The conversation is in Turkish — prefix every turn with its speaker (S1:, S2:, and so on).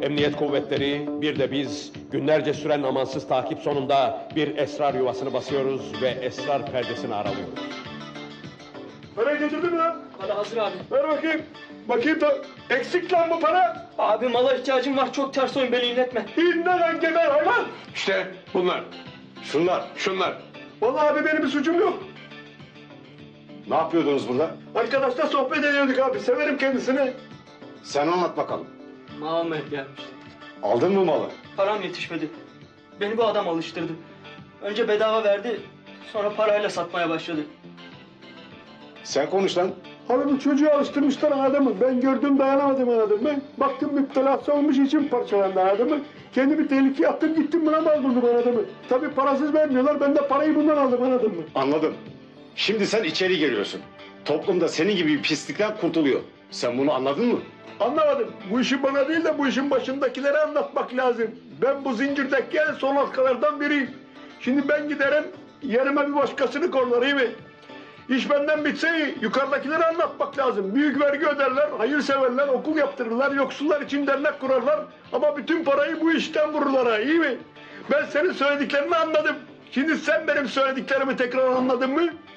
S1: emniyet kuvvetleri, bir de biz günlerce süren amansız takip sonunda bir esrar yuvasını basıyoruz ve esrar perdesini aralıyoruz.
S2: Parayı getirdin mi lan?
S3: Para hazır abi.
S2: Ver bakayım. Bakayım da eksik lan bu para.
S3: Abi mala ihtiyacım var. Çok ters oyun, beni inletme.
S2: İnne lan geber hayvan.
S1: İşte bunlar. Şunlar.
S2: Vallahi abi benim bir suçum yok.
S4: Ne yapıyordunuz burada?
S2: Arkadaşlar sohbet ediyorduk abi. Severim kendisini.
S4: Sen anlat bakalım.
S3: Mal almaya gelmişti.
S4: Aldın mı malı?
S3: Param yetişmedi. Beni bu adam alıştırdı. Önce bedava verdi, sonra parayla satmaya başladı.
S4: Sen konuş lan.
S2: Hani bu çocuğu alıştırmışlar adamı. Ben gördüm dayanamadım anladın mı? Baktım müptelası olmuş için parçalandı adamı. Kendimi tehlikeye attım gittim buna mal buldum anladın mı? Tabii parasız vermiyorlar. Ben de parayı bundan aldım anladın mı?
S4: Anladım. Şimdi sen içeri giriyorsun. Toplumda senin gibi bir pislikten kurtuluyor. Sen bunu anladın mı?
S2: Anlamadım. Bu işi bana değil de bu işin başındakilere anlatmak lazım. Ben bu zincirdeki en son halkalardan biriyim. Şimdi ben giderim yerime bir başkasını korlar iyi mi? İş benden bitse yukarıdakilere anlatmak lazım. Büyük vergi öderler, hayırseverler, okul yaptırırlar, yoksullar için dernek kurarlar. Ama bütün parayı bu işten vururlar ha, iyi mi? Ben senin söylediklerini anladım. Şimdi sen benim söylediklerimi tekrar anladın mı?